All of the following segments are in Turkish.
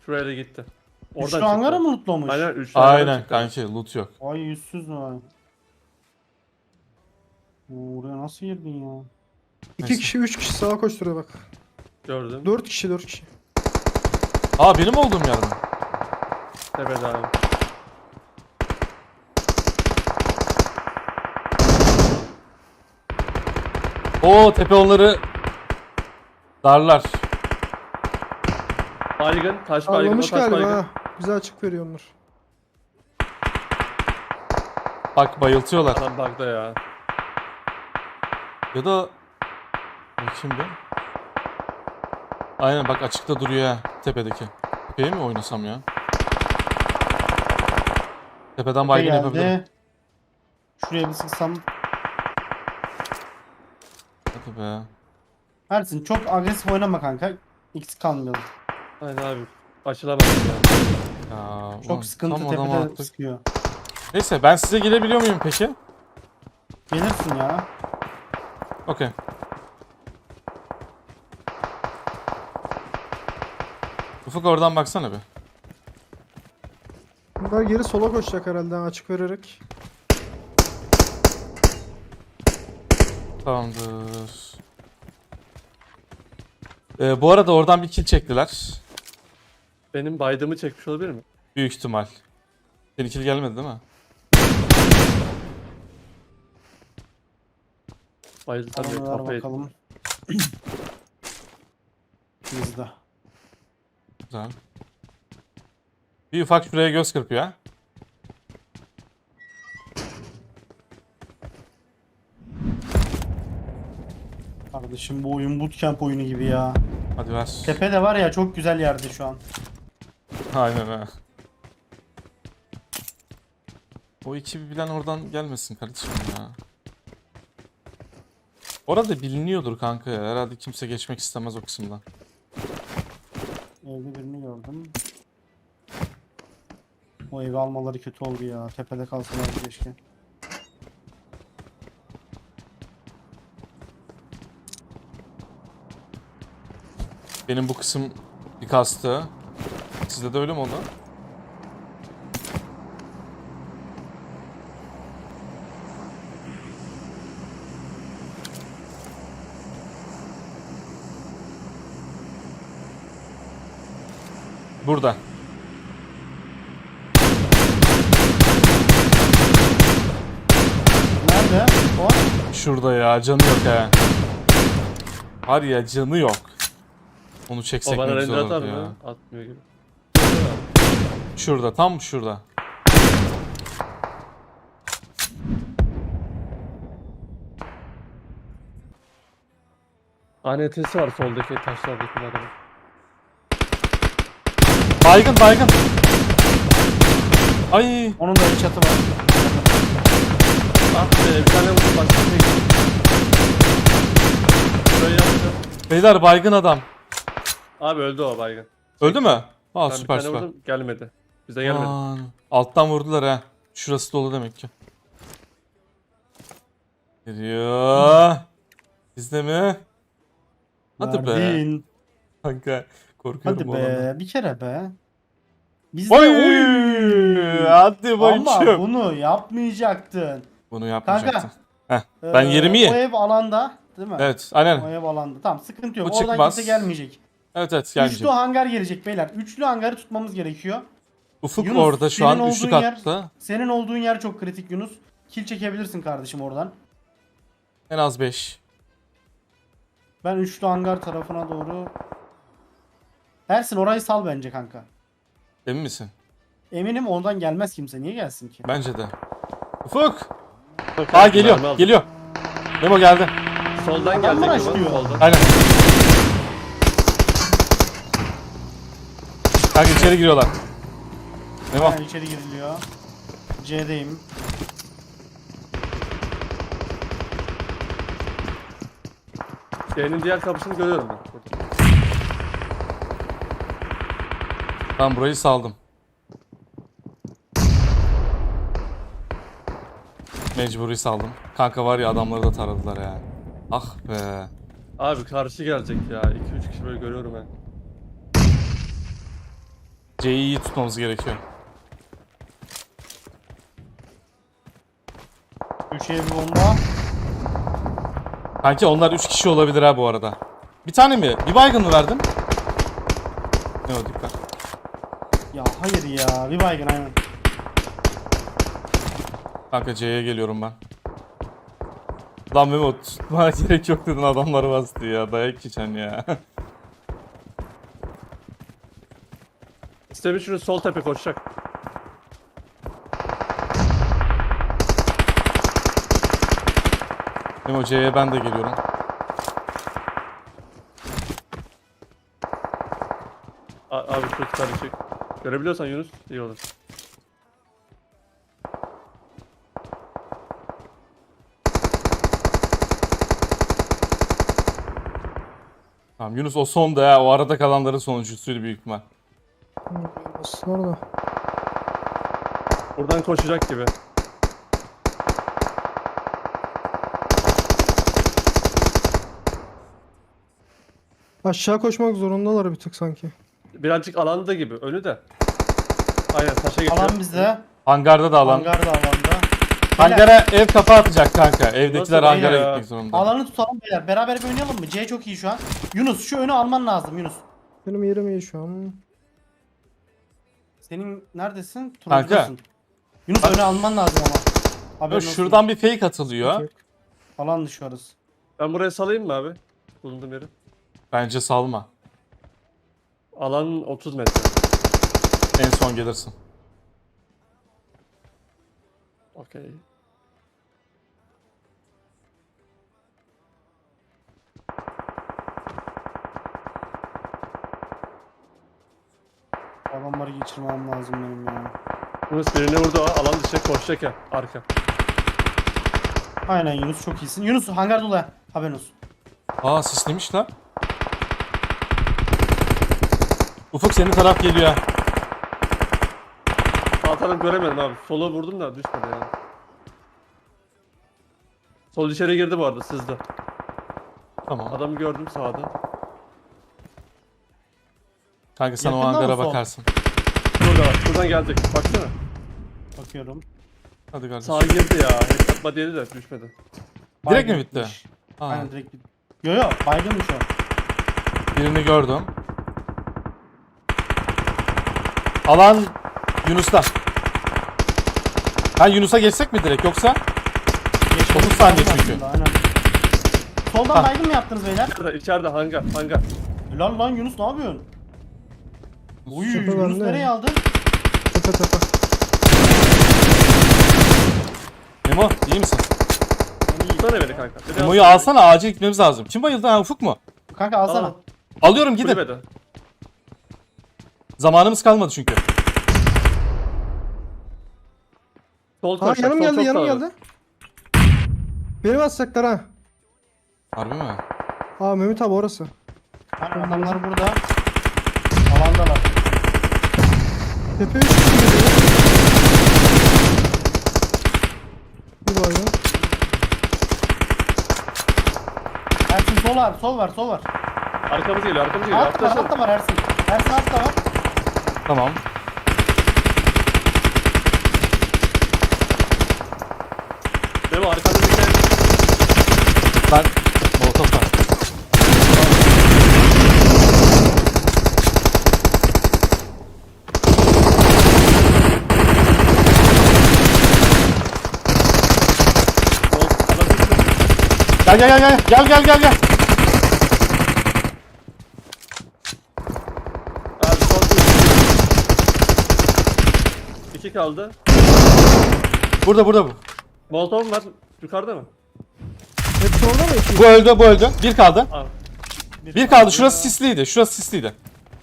Şuraya da gitti. Üçlü hangara mı lootlamış? Aynen 3 hangara Aynen çıktı. kanki loot yok. Ay yüzsüz mü? Oraya nasıl girdin ya? 2 Neyse. kişi 3 kişi sağa koşturuyor bak. Gördüm. 4 kişi 4 kişi. Aa benim olduğum yer mi? Evet abi. Oo tepe onları darlar. Baygın, taş baygın, o Ağlamış taş galiba baygın. ha. Bize açık veriyorlar. Bak bayıltıyorlar. Adam bug'da ya. Ya da bakayım bir. Aynen bak açıkta duruyor ha tepedeki. Tepeye mi oynasam ya? Tepeden baygın Geldi. yapabilirim. Şuraya bir sıksam. Hadi be. Ersin çok agresif oynama kanka. X kalmayalım. Aynen abi. Açılamadım ya. Ya, ulan Çok sıkıntı tam adama tepede attık. sıkıyor. Neyse ben size gelebiliyor muyum peki? Gelirsin ya. Okey. Ufuk oradan baksana bir. Bunlar geri sola koşacak herhalde açık vererek. Tamamdır. Bu arada oradan bir kill çektiler. Benim baydığımı çekmiş olabilir mi? Büyük ihtimal. Senin kill gelmedi değil mi? Bayıldı tabii Tamam ver kafayı. bakalım. Bizde. Güzel. Bir ufak şuraya göz kırpıyor ha. Kardeşim bu oyun bootcamp oyunu gibi ya. Hadi ver. Tepe de var ya çok güzel yerde şu an. Aynen ha. O ekibi bilen oradan gelmesin kardeşim ya. Orada biliniyordur kanka ya. Herhalde kimse geçmek istemez o kısımdan. Evde birini gördüm. O evi almaları kötü oldu ya. Tepede kalsalar keşke. Benim bu kısım bir kastı. Sizde de öyle mi oldu? Burada. Nerede? O? Şurada ya. Canı yok ha. Var ya canı yok. Onu O çeksek bana ne güzel render atar olurdu ya. mı? Atmıyor gibi. Şurada. Tam şurada. ANT'si var soldaki taşlardaki adamın. Baygın baygın. Ay. Onun da bir çatı var. Ah be bir tane vurdum başka bir şey gitti. Böyle yaptım. Beyler baygın adam. Abi öldü o baygın. Öldü mü? Aa Ben bir süper tane süper. vurdum gelmedi. Bize gelmedi. Aman. Alttan vurdular ha. Şurası dolu demek ki. Geliyor. Bizde mi? Hadi be. Verdin. Kanka korkuyorum Hadi bu alanda. be. Bir kere be. Bizde Oy! Hadi Ama bakayım. bunu yapmayacaktın. Bunu yapmayacaktım. Kanka. Ben yerimi O ye. ev alanda değil mi? Evet O aynen. ev alanda. Tamam sıkıntı yok. Bu Oradan çıkmaz. kimse gelmeyecek. Evet Üçlü gelmeyecek. hangar gelecek beyler. Üçlü hangarı tutmamız gerekiyor. Ufuk Yunus, orada şu senin an üçlü olduğun yer- katta. Senin olduğun yer çok kritik Yunus. Kill çekebilirsin kardeşim oradan. En az 5. Ben üçlü hangar tarafına doğru... Ersin orayı sal bence kanka. Emin misin? Eminim oradan gelmez kimse. Niye gelsin ki? Bence de. Ufuk! Bak, Aa mermi geliyor aldım. geliyor. Memo geldi. Soldan Adam mı gelecek rushlıyor? gibi soldan. Aynen. Kanka içeri giriyorlar. Memo. Ha, içeri giriliyor. C'deyim. C'nin diğer kapısını görüyorum ben. Burada. Ben burayı saldım. Mecburi saldım. Kanka var ya adamları da taradılar ya. Ah be. Abi karşı gelecek ya. 2-3 kişi böyle görüyorum ben. C'yi iyi tutmamız gerekiyor. Köşeye bir bomba. Kanki onlar 3 kişi olabilir ha bu arada. Bir tane mi? Bir baygın mı verdin? Ne o dikkat. Ya hayır ya. Bir baygın aynen. Kanka C'ye geliyorum ben. Lan Memo tutmaya gerek yok dedin, adamları bastı ya. Dayak geçen ya. İstemiş şunu sol tepe koşacak. Memo C'ye ben de geliyorum. Abi şu karışık. Görebiliyorsan Yunus iyi olur. Tamam Yunus o son da ya. O arada kalanların sonuncusuydu büyük ihtimal. Bastılar da. Buradan koşacak gibi. Aşağı koşmak zorundalar bir tık sanki. Birazcık alanda gibi. Önü de. Aynen taşa geçiyor. Alan bizde. Hangarda da alan. Hangar da alanda. Hangara ev kafa atacak kanka. Evdekiler Nasıl hangara ya? gitmek zorunda. Alanı tutalım beyler. Beraber bir oynayalım mı? C çok iyi şu an. Yunus şu önü alman lazım Yunus. Benim yerim iyi şu an. Senin neredesin? Kanka. Turuncudasın. Yunus önü alman lazım ama. Yo, Haberin olsun. şuradan bir fake atılıyor. Yok. Alan dışı orası. Ben buraya salayım mı abi? Bulunduğum yeri. Bence salma. Alan 30 metre. En son gelirsin. Okey. Adamları geçirmem lazım benim ya. Yunus birini vurdu o. Alan dışı koşacak ya. Arka. Aynen Yunus çok iyisin. Yunus hangar dolu ha. Haberin olsun. Aa sislemiş lan. Ufuk senin taraf geliyor ha. Sağ tarafı göremedim abi. Sola vurdum da düşmedi ya. Sol içeri girdi bu arada sızdı. Tamam. Adamı gördüm sağda. Kanka sen o Yakında mı hangara sol? bakarsın. Burada bak. Buradan gelecek. Baksana. Bakıyorum. Hadi kardeşim. Sağa girdi ya. Headshot yedi de düşmedi. Direkt mi Baygın bitti? bitmiş. Ha, Aynen direkt bitti. Yo yo baygınmış o. birini gördüm. Alan Yunus'ta. Ha Yunus'a geçsek mi direkt yoksa? 30 saniye çünkü. Aslında, aynen. Soldan Ha. baygın mı yaptınız beyler? İçeride hangar. Hangar. Lan Yunus ne yapıyorsun? Uy Tepe Yunus bende. nereye aldın? Tepe tepe. Memo iyi misin? Tutsana beni kanka. Beni Memo'yu alsana. alsana, acil gitmemiz lazım. Kim bayıldı ha, Ufuk mu? Kanka alsana. Al. Alıyorum gidin. Kulübede. Zamanımız kalmadı çünkü. Sol Ha koşacak. yanım sol geldi çok yanım sağda. geldi. Beni basacaklar ha. Harbi mi? Aa Mehmet abi orası. Hani adamlar burada. Alandalar. Tepe 3 kişi geliyor. Bir baygın. Ersin sol var sol var. Arkamız geliyor. Arkamız geliyor. Alt Arkadaşlar. da var Ersin. Ersin altta var. Tamam. Benim arkamda bir tane. Ben molotof var. Sol. Adam düştü. Gel. Abi sol. İki kaldı. Burada bu. Molotov var. Yukarıda mı? Hepsi orada mı? İki. Bu öldü. Bir kaldı. Al. Bir kaldı. Şurası sisliydi.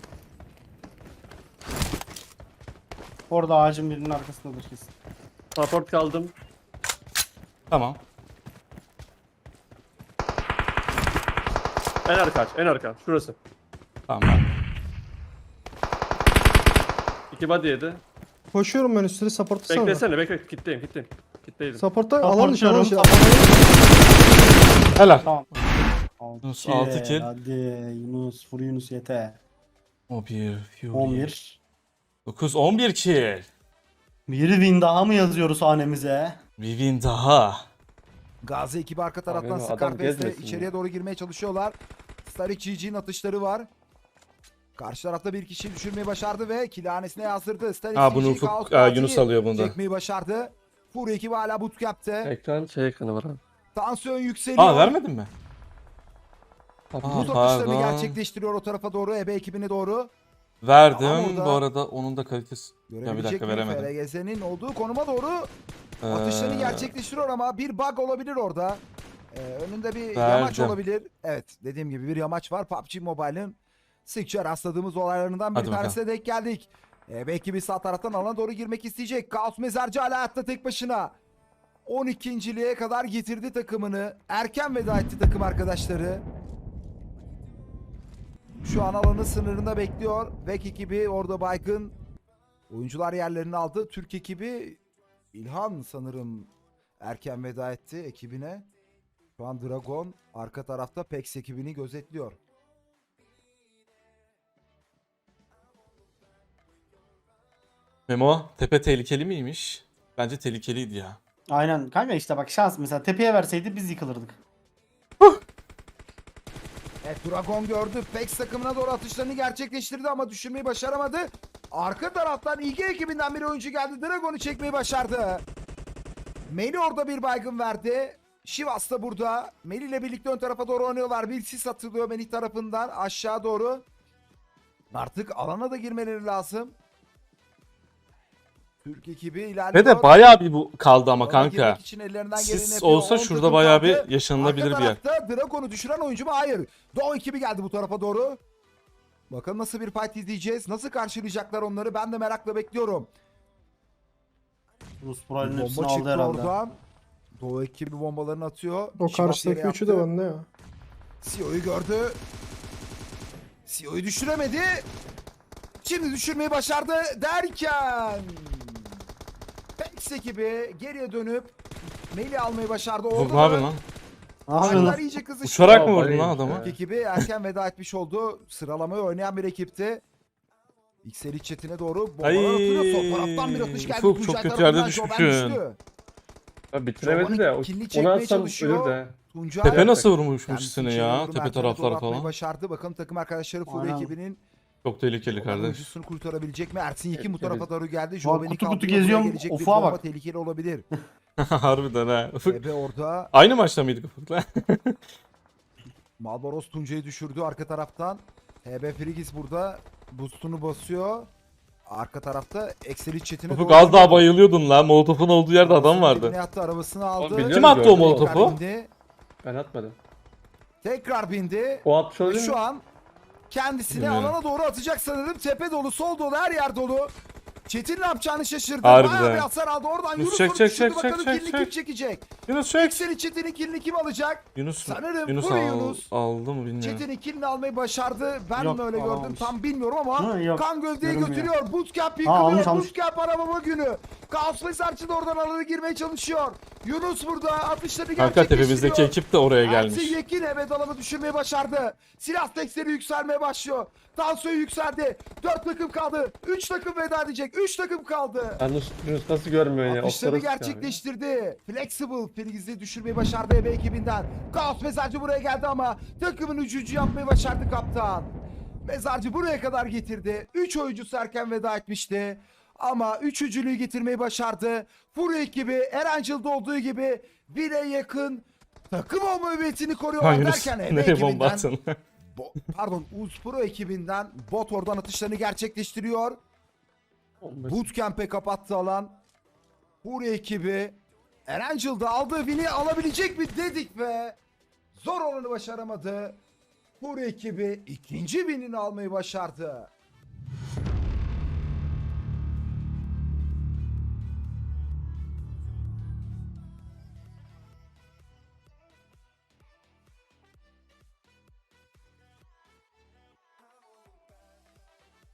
Orada ağacın birinin arkasındadır kesin. Support kaldım. Tamam. En arka aç. En arka. Şurası. Tamam. İki body yedi. Koşuyorum ben üstüne supportlasana. Beklesene. Bekle. Kitleyim. Kitleydim. Support'ta alan dışı alan dışı. Helal. Tamam. Yunus, 6 kill. Hadi Yunus vur Yunus yeter. O bir. Fury. 11. 9-11 kill. Bir win daha mı yazıyoruz hanemize? Bir win daha. Gazi ekibi arka taraftan Abi, adam Scarface'le gezmesin içeriye ya. doğru girmeye çalışıyorlar. Starik GG'nin atışları var. Karşı tarafta bir kişiyi düşürmeyi başardı ve kilanesine yazdırdı. Starik Ha, bunu GG Ufuk, Kaos Yunus Parti'yi alıyor bunu da. çekmeyi başardı. Furi ekibi hala bootcamp'te. Ekran şey ekranı var abi. Tansiyon yükseliyor. Aa, vermedin mi? Abi, Aa, Buz atışlarını pardon. gerçekleştiriyor o tarafa doğru. Ebe ekibine doğru. Verdim. Ama orada- Bu arada onun da kalitesi. Ya bir Görebilecek dakika, mi? veremedim. FRGZ'nin olduğu konuma doğru atışlarını Ee, gerçekleştiriyor ama bir bug olabilir orada. Önünde bir Verdim. yamaç olabilir. Evet, dediğim gibi bir yamaç var. PUBG Mobile'ın sıkça rastladığımız olaylarından bir Hadi tanesine denk geldik. Belki bir sağ taraftan alana doğru girmek isteyecek. Kaos Mezarcı hala hayatta tek başına. 12.liğe kadar getirdi takımını. Erken veda etti takım arkadaşları. Şu an alanın sınırında bekliyor. Vek ekibi orada baygın. Oyuncular yerlerini aldı. Türk ekibi İlhan sanırım erken veda etti ekibine. Şu an Dragon arka tarafta PEX ekibini gözetliyor. Memo, tepe tehlikeli miymiş? Bence tehlikeliydi ya. Aynen kanka işte bak şans mesela tepeye verseydi biz yıkılırdık. Evet, Dragon gördü. PEX takımına doğru atışlarını gerçekleştirdi ama düşürmeyi başaramadı. Arka taraftan İG ekibinden bir oyuncu geldi. Dragon'u çekmeyi başardı. Meli orada bir baygın verdi. Şivas da burada. Meli ile birlikte ön tarafa doğru oynuyorlar. Bir sis atılıyor Meli tarafından aşağı doğru. Artık alana da girmeleri lazım. Türk ekibi ilerliyor. Ve de bayağı bir bu kaldı ama Alana kanka. girmek için ellerinden geleni Sis yapıyor. olsa 10 şurada takım bayağı kaldı. bir yaşanılabilir bir yer. Arka tarafta Dragon'u düşüren oyuncu mu? Hayır. Doğu ekibi geldi bu tarafa doğru. Bakalım nasıl bir fight izleyeceğiz. Nasıl karşılayacaklar onları? Ben de merakla bekliyorum. Rus Pro'nun hepsini Bomba aldı çıktı herhalde. oradan. Doğu ekibi bombalarını atıyor. O Şivas karşıdaki yere üçü de yaptı. bende ya. CEO'yu gördü. CEO'yu düşüremedi. Şimdi düşürmeyi başardı derken PEX ekibi geriye dönüp Melih almayı başardı. Ufuk Orada ne yapıyorsun lan? Ne yapıyorsun Maçlar lan? iyice kızıştı. Uçarak mı Aa, vurdun bayılmış lan adamı? ya. Türk ekibi erken veda etmiş oldu. Sıralamayı oynayan bir ekipti. XL chatine doğru Ay, bombalar atılıyor. Sol taraftan bir atış geldi. Ufuk, Tuncay çok kötü tarafından yerde Joven düşmüşsün. düştü. Ya bitiremedi de. kilini Onu çekmeye atsam çalışıyor. ölür de. Tuncay Tepe nasıl kendisi vurmuşmuş seni içeriye ya? doğru Tepe merdivene doğru tarafları atmayı falan. başardı. Bakalım takım arkadaşları Furi Aynen. ekibinin Çok tehlikeli olan kardeş. oyuncusunu kurtarabilecek mi? Ersin Yekin bu tarafa doğru geldi. Bak, Joven'i kutu kutu kaldırıyor. geziyorum, Buraya gelecek bir ufağa bomba bak. tehlikeli olabilir. Harbiden ha. Ufuk. Ebe orada. Aynı maçta mıydık Ufuk'la? Malboros Tuncay'ı düşürdü arka taraftan. HB Frigis burada boostunu basıyor. Arka tarafta Excel'i chatine Ufuk doğru az daha gidiyor. bayılıyordun lan. Molotof'un olduğu yerde adam Arabasının vardı. dibine attı, arabasını aldı. Oğlum, biliyorum, Kim attı o gördüm. molotofu? Tekrar bindi. Ben atmadım. Tekrar bindi. O atmış Ve olabilir mi? şu an kendisini Bilmiyorum. alana doğru atacak sanırım. Tepe dolu, sol dolu, her yer dolu. Çetin ne yapacağını şaşırdı. Harbiden. Bayağı bir hasar aldı. Oradan Yunus, Yunus çek, onu çek, düşürdü. çek, Bakalım çek, kilini çek. kim çekecek? Yunus çek. Excel'in Çetin'in kilini kim alacak? Yunus Sanırım Yunus Furi al, Yunus. aldı mı bilmiyorum. Çetin'in kilini almayı başardı. Ben Yok, mi öyle gördüm alamamış. tam bilmiyorum ama Hı, yok, kan gövdeyi görünmüyor. götürüyor. Bootcamp almış, yıkılıyor. almış. Bootcamp arabama günü. Kaos Mesarçı da oradan alana girmeye çalışıyor. Yunus burada atışlarını Kanka gerçekleştiriyor. tepemizdeki ekip de oraya gelmiş. Ersin Yekin evet alanı düşürmeyi başardı. Silah tekstleri yükselmeye başlıyor. Tansiyon yükseldi. 4 takım kaldı. 3 takım veda edecek. 3 takım kaldı. Yunus nasıl görmüyor ya? Atışlarını Okları sıkıyor gerçekleştirdi. Flexible Filiz'i düşürmeyi başardı Ebe ekibinden. Kaos Mezarcı buraya geldi ama takımın 3. yapmayı başardı kaptan. Mezarcı buraya kadar getirdi. 3 oyuncusu erken veda etmişti. Ama üçüncülüğü getirmeyi başardı. Furi ekibi Erangel'da olduğu gibi 1'e yakın takım olma hüviyetini Ha koruyorlar Yunus derken Ebe nereye bomba ekibinden attın? pardon Uzpro ekibinden bot oradan atışlarını gerçekleştiriyor. yani. Bootcamp'e kapattı alan. Furi ekibi Erangel'da aldığı win'i alabilecek mi dedik ve zor olanı başaramadı. Furi ekibi ikinci win'ini almayı başardı.